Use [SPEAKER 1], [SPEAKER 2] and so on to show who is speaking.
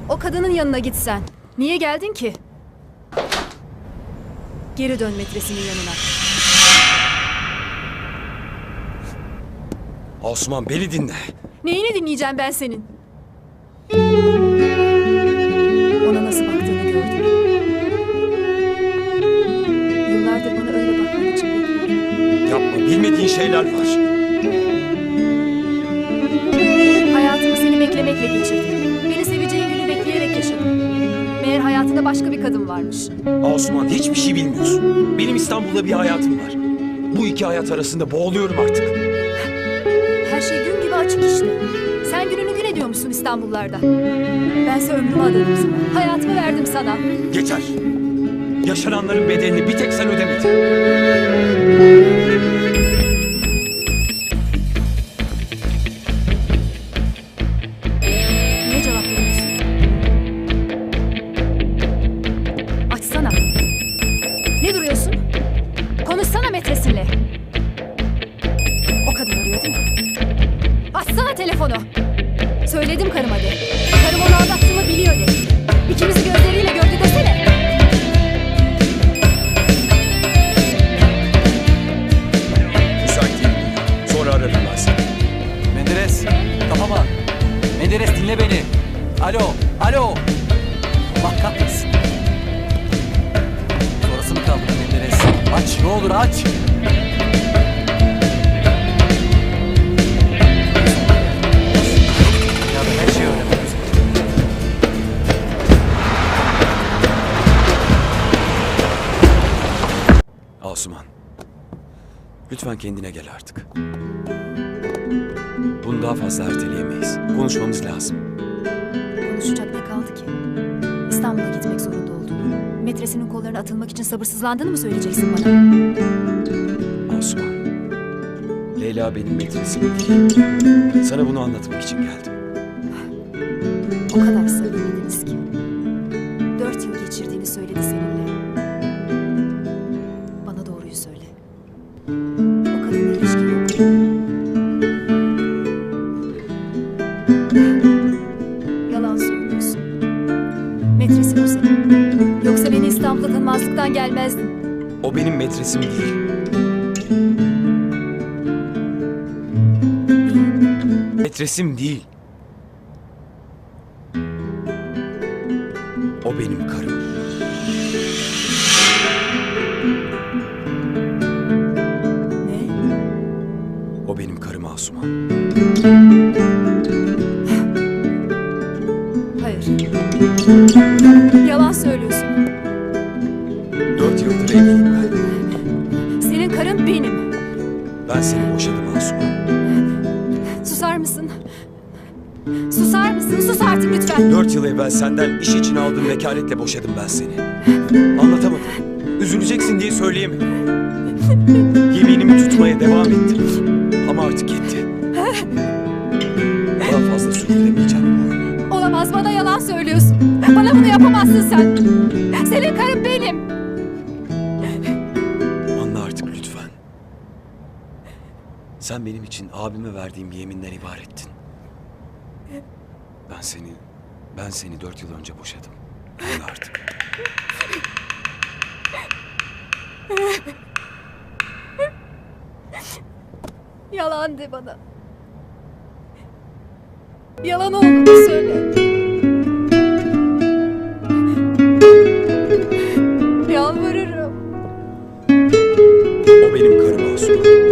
[SPEAKER 1] O kadının yanına gitsen. Niye geldin ki? Geri dön metresinin yanına.
[SPEAKER 2] Osman beni dinle.
[SPEAKER 1] Neyini dinleyeceğim ben senin? Ona nasıl baktığını gördüm. Yıllardır bana öyle bakman için bekliyorum.
[SPEAKER 2] Yapma, bilmediğin şeyler var.
[SPEAKER 1] Hayatımı seni beklemekle geçirdim. Beni seveceğin günü bekleyerek yaşadım. Meğer hayatında başka bir kadın varmış.
[SPEAKER 2] Osman hiçbir şey bilmiyorsun. Benim İstanbul'da bir hayatım var. Bu iki hayat arasında boğuluyorum artık.
[SPEAKER 1] Her şey gün gibi açık işte. Sen gününü gün ediyor musun İstanbullarda? Bense ömrümü adadım sana. Hayatımı verdim sana.
[SPEAKER 2] Yeter. Yaşananların bedelini bir tek sen ödemedin.
[SPEAKER 1] Niye cevap veriyorsun? Açsana. Ne duruyorsun? Konuşsana metresinle. O kadın arıyor değil mi? Açsana telefonu. Söyledim karıma de. Karım onu aldattığımı biliyor de. İkimizi gözleriyle gördü desene.
[SPEAKER 2] Müsait değilim. Sonra ararım ben seni.
[SPEAKER 3] Menderes, kafama. Menderes dinle beni. Alo, alo. Allah kahretsin. Sonrası mı kaldı Menderes? Aç, ne olur aç. Ya ben her şeyi öğrendim.
[SPEAKER 2] Asuman. Lütfen kendine gel artık. Bunu daha fazla erteleyemeyiz. Konuşmamız lazım.
[SPEAKER 1] Konuşacak ne kaldı ki? İstanbul'a gitmek zorunda olduğunu, metresinin kollarına atılmak için sabırsızlandığını mı söyleyeceksin bana?
[SPEAKER 2] Asuman. Leyla benim metresim değil. Sana bunu anlatmak için geldim.
[SPEAKER 1] O kadar samimiydiniz ki. 4 yıl geçirdiğini söyledi seninle. Bana doğruyu söyle. O kadınla ilişkin yok mu? Yalan söylüyorsun. Metresin o senin. Yoksa beni İstanbul'da tanımazlıktan gelmezdin.
[SPEAKER 2] O benim metresim değil. Metresim değil. O benim karım.
[SPEAKER 1] Ne?
[SPEAKER 2] O benim karım Asuman.
[SPEAKER 1] Hayır. Yalan söylüyorsun.
[SPEAKER 2] 4 yıldır evliyim ben.
[SPEAKER 1] Senin karın benim.
[SPEAKER 2] Ben seni boşadım Asuman.
[SPEAKER 1] Susar mısın? Susar mısın? Sus artık lütfen.
[SPEAKER 2] 4 yıl evvel senden iş için aldığım vekaletle boşadım ben seni. Anlatamadım. Üzüleceksin diye söyleyemedim. Yeminimi tutmaya devam ettim. Ama artık yetti. Daha fazla sürdüremeyeceğim bu oyunu.
[SPEAKER 1] Olamaz, bana yalan söylüyorsun. Bana bunu yapamazsın sen. Senin karın benim.
[SPEAKER 2] Anla artık lütfen. Sen benim için abime verdiğim yeminden ibarettin. Ben seni 4 yıl önce boşadım. Anla artık.
[SPEAKER 1] Yalan de bana. Yalan olduğunu söyle. Yalvarırım.
[SPEAKER 2] O benim karım Asuman.